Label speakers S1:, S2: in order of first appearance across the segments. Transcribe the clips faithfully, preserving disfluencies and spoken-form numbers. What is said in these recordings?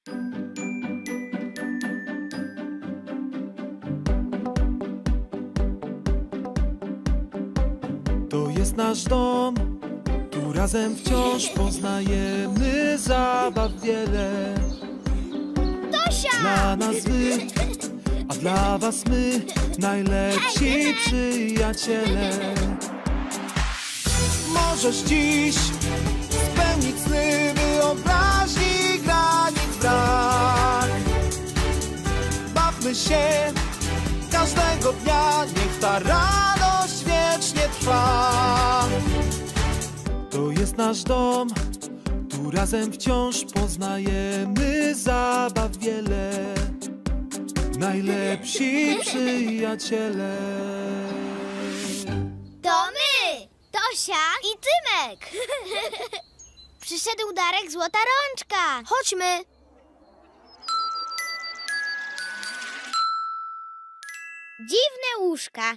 S1: To jest nasz dom, tu razem wciąż poznajemy zabaw wiele.
S2: Tosia!
S1: Dla nas wy, a dla was my, najlepsi przyjaciele. Możesz dziś spełnić sny, wyobraźni granic brak. Bawmy się każdego dnia, niech ta radość wiecznie trwa. To jest nasz dom, tu razem wciąż poznajemy zabaw wiele. Najlepsi przyjaciele.
S2: To my! Tosia i Tymek! Przyszedł Darek Złota Rączka. Chodźmy! Dziwne łóżka.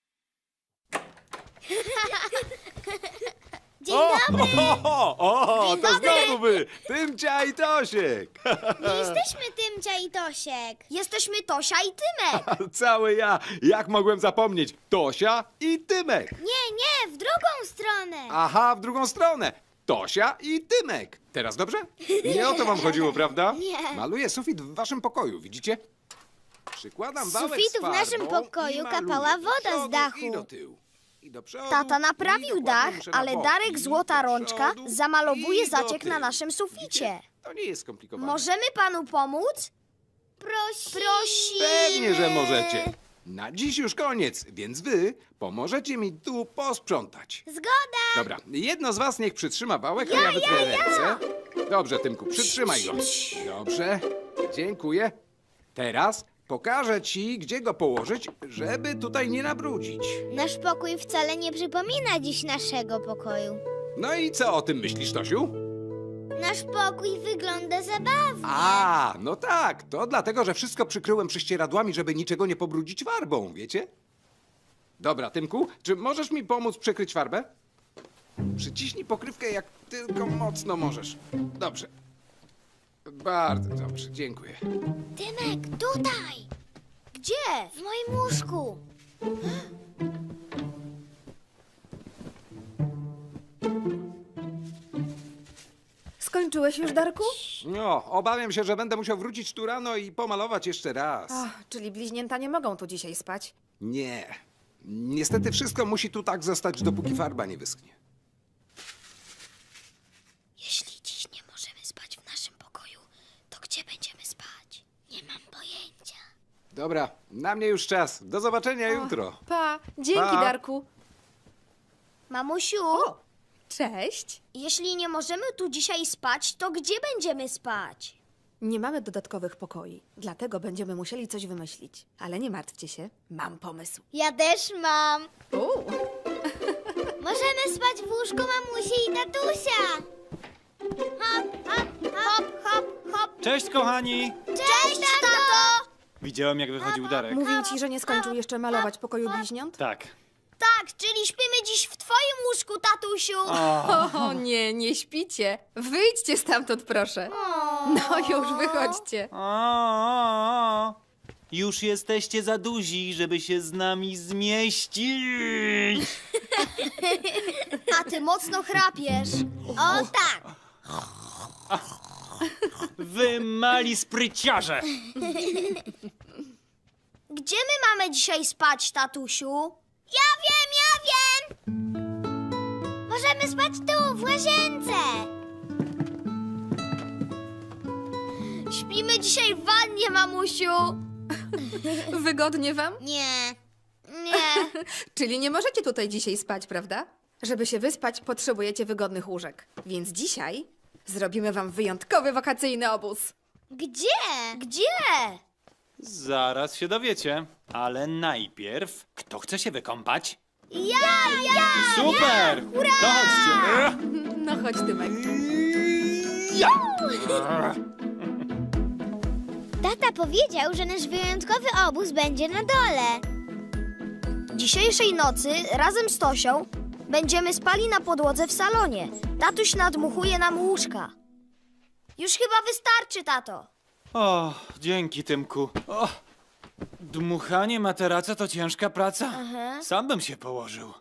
S2: Dzień dobry!
S3: O, o,
S2: Dzień
S3: to
S2: dobry.
S3: znowu wy! Tymcia i Tosiek!
S2: Nie jesteśmy Tymcia i Tosiek. Jesteśmy Tosia i Tymek.
S3: Cały ja! Jak mogłem zapomnieć? Tosia i Tymek!
S2: Nie, nie, w drugą stronę.
S3: Aha, w drugą stronę! Tosia i Tymek! Teraz dobrze? Nie o to wam chodziło, prawda?
S2: Nie.
S3: Maluję sufit w waszym pokoju, widzicie? Przykładam
S2: Z
S3: wałek
S2: sufitu
S3: z
S2: w naszym
S3: farbą
S2: pokoju
S3: i maluję
S2: kapała
S3: do
S2: woda z
S3: przodu
S2: dachu.
S3: I do tyłu. I do przodu,
S4: Tata
S3: i
S4: naprawił
S3: dokładnie
S4: dach,
S3: muszę na
S4: ale
S3: bok.
S4: Darek
S3: I
S4: Złota
S3: do
S4: Rączka
S3: przodu,
S4: zamalowuje
S3: i do
S4: zaciek na
S3: tyłu.
S4: naszym suficie.
S3: Widzicie? To nie jest skomplikowane.
S4: Możemy panu pomóc?
S2: Prosimy.
S4: Prosimy.
S3: Pewnie, że możecie. Na dziś już koniec, więc wy pomożecie mi tu posprzątać.
S2: Zgoda.
S3: Dobra, jedno z was niech przytrzyma wałek, a ja wytrę ręce. Dobrze, Tymku, przytrzymaj go. Dobrze, dziękuję. Teraz pokażę ci, gdzie go położyć, żeby tutaj nie nabrudzić.
S2: Nasz pokój wcale nie przypomina dziś naszego pokoju.
S3: No i co o tym myślisz, Tosiu?
S2: Nasz pokój wygląda zabawnie.
S3: A, no tak, to dlatego, że wszystko przykryłem prześcieradłami, żeby niczego nie pobrudzić farbą, wiecie? Dobra, Tymku, czy możesz mi pomóc przykryć farbę? Przyciśnij pokrywkę jak tylko mocno możesz. Dobrze. Bardzo dobrze, dziękuję.
S2: Tymek, tutaj.
S4: Gdzie?
S2: W moim łóżku.
S5: Skończyłeś już, Darku?
S3: No, obawiam się, że będę musiał wrócić tu rano i pomalować jeszcze raz.
S5: Ach, czyli bliźnięta nie mogą tu dzisiaj spać.
S3: Nie. Niestety wszystko musi tu tak zostać, dopóki farba nie wyschnie.
S2: Jeśli dziś nie możemy spać w naszym pokoju, to gdzie będziemy spać? Nie mam pojęcia.
S3: Dobra, na mnie już czas. Do zobaczenia jutro.
S5: Pa, dzięki,
S3: Pa.
S5: Darku.
S4: Mamusiu,
S5: Cześć.
S4: jeśli nie możemy tu dzisiaj spać, to gdzie będziemy spać?
S5: Nie mamy dodatkowych pokoi, dlatego będziemy musieli coś wymyślić. Ale nie martwcie się, mam pomysł.
S2: Ja też mam.
S5: Uuu.
S2: Możemy spać w łóżku mamusi i tatusia. Hop, hop, hop, hop, hop.
S6: Cześć, kochani!
S2: Cześć, tato!
S6: Widziałem, jak wychodził Darek.
S5: Mówił ci, że nie skończył jeszcze malować pokoju bliźniąt?
S6: Tak.
S4: Tak, czyli śpimy dziś w twoim łóżku, tatusiu.
S5: O nie, nie śpicie. Wyjdźcie stamtąd, proszę. No już, wychodźcie.
S6: O, o, o. Już jesteście za duzi, żeby się z nami zmieścić.
S4: A ty mocno chrapiesz.
S2: O tak!
S6: Wy mali spryciarze!
S4: Gdzie my mamy dzisiaj spać, tatusiu?
S2: Ja wiem, ja wiem! Możemy spać tu, w łazience.
S4: Śpimy dzisiaj w wannie, mamusiu.
S5: Wygodnie wam?
S2: Nie, nie.
S5: Czyli nie możecie tutaj dzisiaj spać, prawda? Żeby się wyspać, potrzebujecie wygodnych łóżek. Więc dzisiaj zrobimy wam wyjątkowy wakacyjny obóz.
S2: Gdzie?
S4: Gdzie?
S6: Zaraz się dowiecie. Ale najpierw, kto chce się wykąpać?
S2: Ja, ja!
S6: Super! To chodźcie.
S5: No chodź, Tymek.
S2: Tata powiedział, że nasz wyjątkowy obóz będzie na dole.
S4: Dzisiejszej nocy razem z Tosią będziemy spali na podłodze w salonie. Tatuś nadmuchuje nam łóżka. Już chyba wystarczy, tato.
S6: O, dzięki, Tymku. O, dmuchanie materaca to ciężka praca. Sam bym się położył.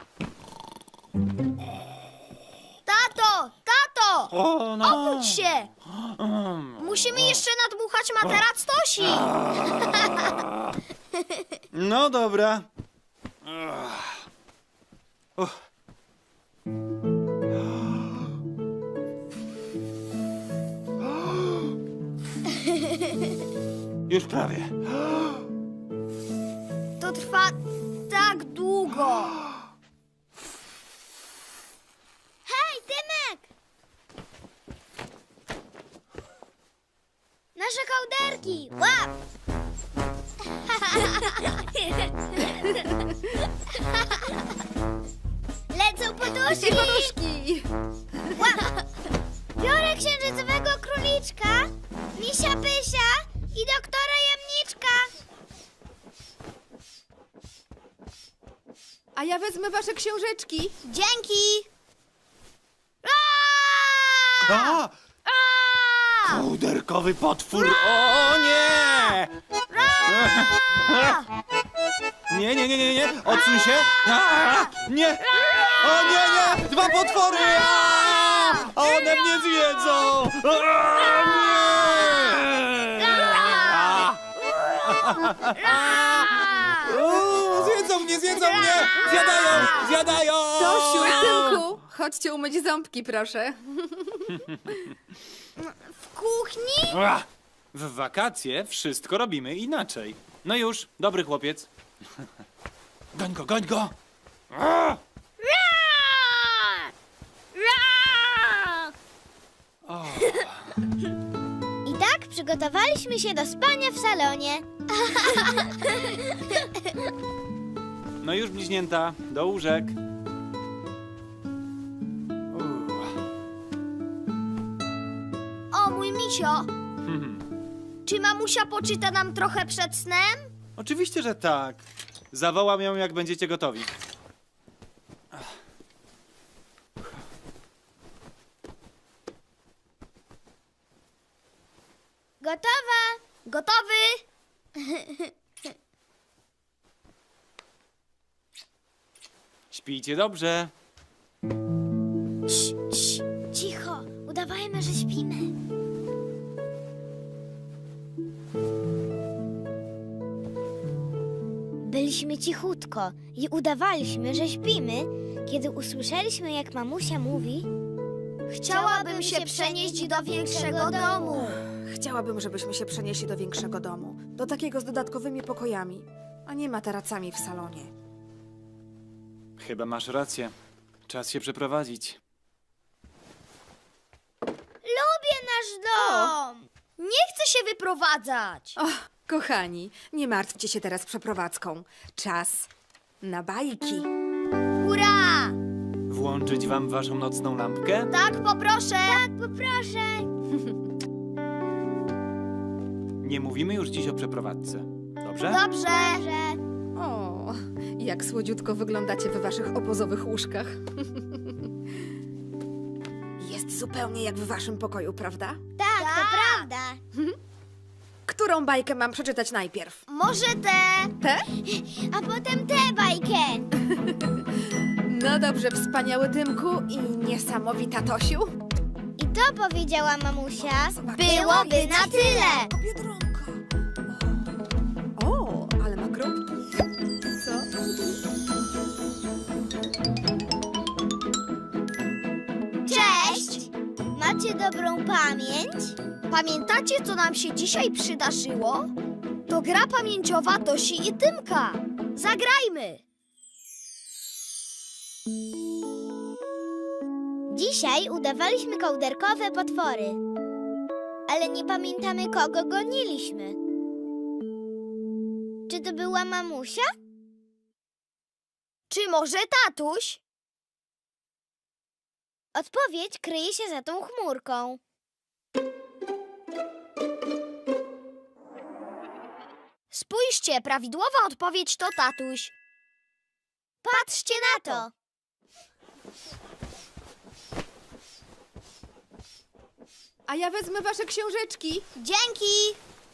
S4: Tato, tato!
S6: O, no.
S4: Obudź się! Musimy jeszcze nadmuchać materac Tosi.
S6: No dobra. Ach. Uff. Już prawie.
S4: To trwa tak długo.
S2: Hej, Tymek! Nasze kołderki! Łap! Lecą poduszki!
S5: Poduszki!
S2: Biorę księżycowego króliczka, misia Pysia i doktora Jamniczka.
S5: A ja wezmę wasze książeczki.
S2: Dzięki!
S6: A! Kołderkowy potwór! O nie! Nie, nie, nie, nie, nie! Odsuń się! A! Nie! O nie, nie! Dwa potwory! A! One mnie zjedzą! A! Nie! A! O, zjedzą mnie, zjedzą mnie! Zjadają! Zjadają!
S5: Tosiu, Tymku, chodźcie umyć ząbki, proszę.
S2: W kuchni?
S6: Ua! W wakacje wszystko robimy inaczej. No już, dobry chłopiec. Goń go, goń go! A!
S2: I tak przygotowaliśmy się do spania w salonie.
S6: No już, bliźnięta, do łóżek. Uuu.
S4: O, mój misio. Czy mamusia poczyta nam trochę przed snem?
S6: Oczywiście, że tak. Zawołam ją, jak będziecie gotowi.
S2: Gotowa!
S4: Gotowy?
S6: Śpijcie dobrze.
S2: Cii, cii, cicho, udawajmy, że śpimy. Byliśmy cichutko i udawaliśmy, że śpimy, kiedy usłyszeliśmy, jak mamusia mówi:
S4: Chciałabym się przenieść do większego domu.
S5: Chciałabym, żebyśmy się przenieśli do większego domu. Do takiego z dodatkowymi pokojami, a nie materacami w salonie.
S6: Chyba masz rację. Czas się przeprowadzić.
S2: Lubię nasz dom!
S4: Nie chcę się wyprowadzać.
S5: O, kochani, nie martwcie się teraz przeprowadzką. Czas na bajki.
S4: Hurra!
S6: Włączyć wam waszą nocną lampkę?
S4: Tak, poproszę.
S2: Tak, poproszę.
S6: Nie mówimy już dziś o przeprowadzce. Dobrze?
S4: Dobrze.
S2: Że...
S5: O, jak słodziutko wyglądacie w waszych obozowych łóżkach. Jest zupełnie jak w waszym pokoju, prawda?
S2: Tak, to
S4: Tak.
S2: prawda.
S5: Którą bajkę mam przeczytać najpierw?
S4: Może te?
S5: Te?
S2: A potem tę bajkę.
S5: No dobrze, wspaniały Tymku i niesamowita Tosiu.
S2: I to powiedziała mamusia.
S5: Zobacz.
S2: Byłoby na tyle.
S5: Biedronka. O, o, ale ma kropki. Co?
S2: Cześć! Macie dobrą pamięć?
S4: Pamiętacie, co nam się dzisiaj przydarzyło? To gra pamięciowa Tosi i Tymka. Zagrajmy!
S2: Dzisiaj udawaliśmy kołderkowe potwory. Ale nie pamiętamy, kogo goniliśmy. Czy to była mamusia?
S4: Czy może tatuś?
S2: Odpowiedź kryje się za tą chmurką.
S4: Spójrzcie, prawidłowa odpowiedź to tatuś.
S2: Patrzcie na to!
S5: A ja wezmę wasze książeczki.
S2: Dzięki!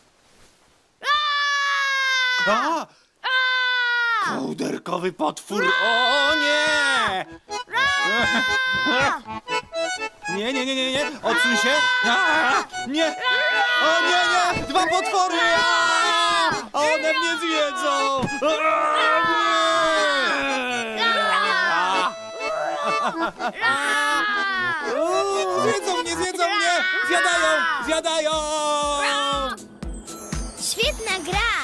S6: A! Kołderkowy potwór! O nie! Nie, nie, nie, nie, nie! Odsuń się! A! Nie! O nie, nie! Dwa potwory! A! One mnie zjedzą! A! Nie! Uuu, Zjedzą mnie, zjedzą mnie! Zjadają! Zjadają!
S2: Świetna gra!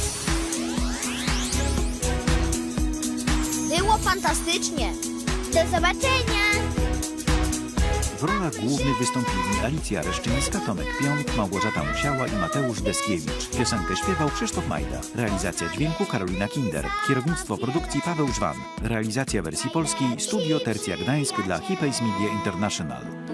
S4: Było fantastycznie.
S2: Do zobaczenia!
S7: W rolach głównych wystąpili Alicja Reszczyńska, Tomek Pionk, Małgorzata Musiała i Mateusz Deskiewicz. Piosenkę śpiewał Krzysztof Majda. Realizacja dźwięku Karolina Kinder. Kierownictwo produkcji Paweł Żwan. Realizacja wersji polskiej Studio Tercja Gdańsk dla Hipays Media International.